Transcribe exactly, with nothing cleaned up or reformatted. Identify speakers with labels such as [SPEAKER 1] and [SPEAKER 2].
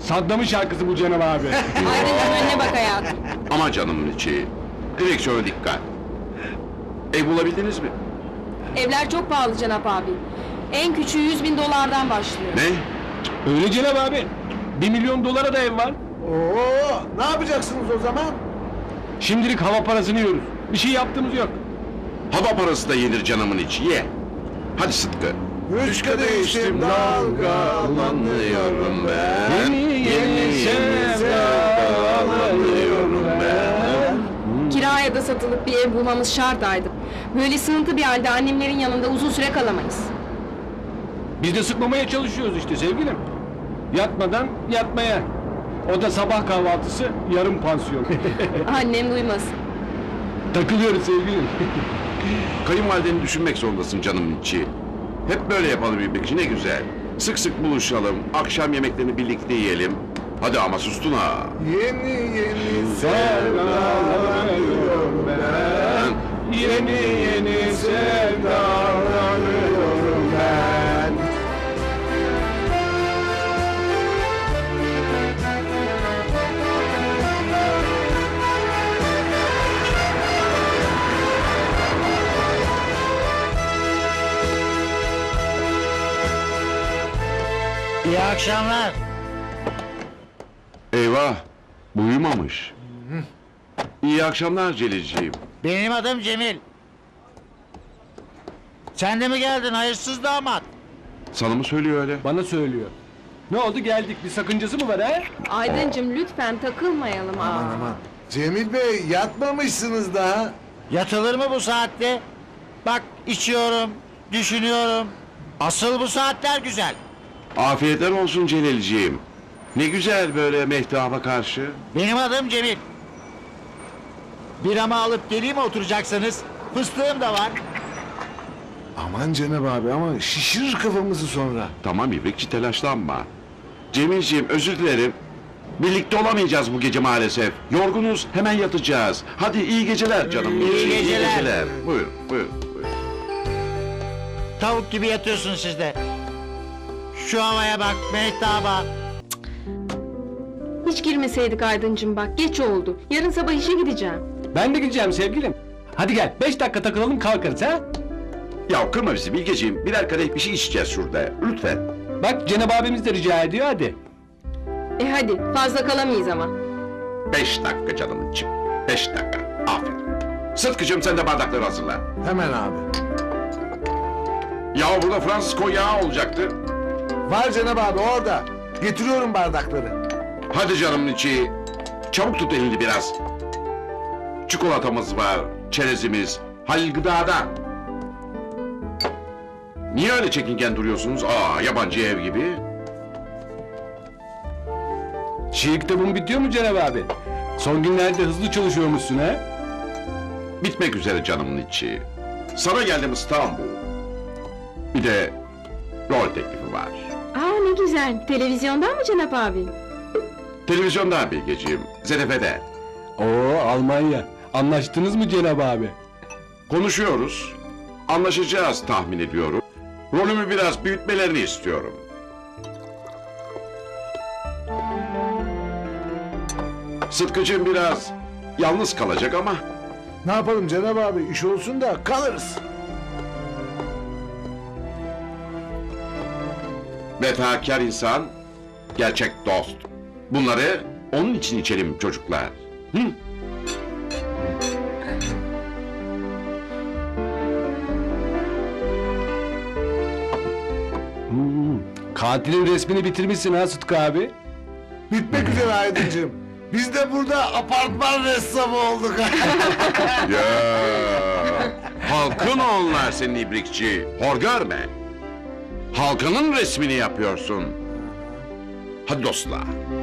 [SPEAKER 1] Saddam'ın şarkısı bu Cenab abi.
[SPEAKER 2] Aydıncığım önüne bak hayatım.
[SPEAKER 3] Ama canımın içi. Direksiyona dikkat. Ev bulabildiniz mi?
[SPEAKER 2] Evler çok pahalı Cenap abi. En küçüğü yüz bin dolardan başlıyor.
[SPEAKER 3] Ne?
[SPEAKER 1] Öyle Cenab abi. Bir milyon dolara da ev var.
[SPEAKER 4] Oo, ne yapacaksınız o zaman?
[SPEAKER 1] Şimdilik hava parasını yiyoruz. Bir şey yaptığımız yok.
[SPEAKER 3] Hava parası da yenir canımın içi. Ye. Hadi Sıtkı.
[SPEAKER 4] Üç kadeh içtim dalgalanıyorum ben.
[SPEAKER 1] Yeni yeni sevdalanıyorum ben.
[SPEAKER 2] Kiraya da satılıp bir ev bulmamız şart Aydın. Böyle sınıntı bir halde annemlerin yanında uzun süre kalamayız.
[SPEAKER 1] Biz de sıkmamaya çalışıyoruz işte sevgilim. Yatmadan yatmaya. O da sabah kahvaltısı, yarım pansiyon.
[SPEAKER 2] Annem duymasın.
[SPEAKER 1] Takılıyoruz sevgilim.
[SPEAKER 3] Kayınvalideni düşünmek zorundasın canımın içi. Hep böyle yapalım İbrikçi, ne güzel. Sık sık buluşalım, akşam yemeklerini birlikte yiyelim. Hadi ama sustun ha.
[SPEAKER 4] Yeni yeni
[SPEAKER 1] Sevdalanıyorum ben. Yeni yeni sevdalanıyorum ben.
[SPEAKER 5] İyi akşamlar.
[SPEAKER 3] Eyvah, bu uyumamış. İyi akşamlar Celilciğim.
[SPEAKER 5] Benim adım Cemil. Sen de mi geldin hayırsız damat?
[SPEAKER 3] Sana mı söylüyor öyle?
[SPEAKER 1] Bana söylüyor. Ne oldu geldik, bir sakıncası mı var ha?
[SPEAKER 2] Aydıncığım lütfen takılmayalım. Aa.
[SPEAKER 4] Aman aman. Cemil Bey yatmamışsınız daha.
[SPEAKER 5] Yatılır mı bu saatte? Bak içiyorum, düşünüyorum. Asıl bu saatler güzel.
[SPEAKER 3] Afiyetler olsun Celilciğim. Ne güzel böyle mehtaba karşı.
[SPEAKER 5] Benim adım Cemil. Biramı alıp geleyim mi oturacaksınız? Fıstığım da var.
[SPEAKER 4] Aman Cenab abi ama şişirir kafamızı sonra.
[SPEAKER 3] Tamam İbrikçi, telaşlanma. Cemilciğim özür dilerim. Birlikte olamayacağız bu gece maalesef. Yorgunuz, hemen yatacağız. Hadi iyi geceler canım.
[SPEAKER 5] İyi geceler.
[SPEAKER 3] Buyurun, buyurun, buyurun.
[SPEAKER 5] Tavuk gibi yatıyorsun siz de. Şu havaya bak, mehtaba.
[SPEAKER 2] Hiç girmeseydik Aydıncığım bak geç oldu. Yarın sabah işe gideceğim.
[SPEAKER 1] Ben de gideceğim sevgilim. Hadi gel, beş dakika takılalım kalkarız ha?
[SPEAKER 3] Ya kırma bizi Bilgeciğim. Birer kadeh bir şey içeceğiz şurada. Lütfen.
[SPEAKER 1] Bak Cenab abimiz de rica ediyor hadi.
[SPEAKER 2] E hadi fazla kalamayız ama.
[SPEAKER 3] Beş dakika canım için. Beş dakika. Aferin. Sıtkıcığım sen de bardakları hazırla.
[SPEAKER 4] Hemen abi.
[SPEAKER 3] Ya burada Fransız konyağı olacaktı.
[SPEAKER 4] Var Cenab abi orada. Getiriyorum bardakları.
[SPEAKER 3] Hadi canımın içi. Çabuk tut elini biraz. Çikolatamız var, çerezimiz, Halil Gıda'dan. Niye öyle çekingen duruyorsunuz? Aa, yabancı ev gibi.
[SPEAKER 1] Şiir kitabın bitiyor mu Cenab abi? Son günlerde hızlı çalışıyormuşsun ha?
[SPEAKER 3] Bitmek üzere canımın içi. Sana geldim İstanbul. Bir de rol teklifi var.
[SPEAKER 2] Aa ne güzel. Televizyondan mı Cenap abi?
[SPEAKER 3] Televizyondan Bilgeciğim, Z F F'de.
[SPEAKER 1] Oo Almanya. Anlaştınız mı Cenab abi?
[SPEAKER 3] Konuşuyoruz. Anlaşacağız tahmin ediyorum. Rolümü biraz büyütmelerini istiyorum. Sıtkıcığım biraz yalnız kalacak ama
[SPEAKER 4] Ne yapalım Cenab abi iş olsun da kalırız.
[SPEAKER 3] vefakar insan, gerçek dost. Bunları onun için içelim çocuklar. Hı?
[SPEAKER 1] Hmm, katilin resmini bitirmişsin ha Sıtkı abi.
[SPEAKER 4] Bitmek üzere Aydıncığım. Biz de burada apartman ressamı olduk.
[SPEAKER 3] Ya, halkın onlar senin ibrikçi. Hor görme. Halkının resmini yapıyorsun. Hadi dostlar.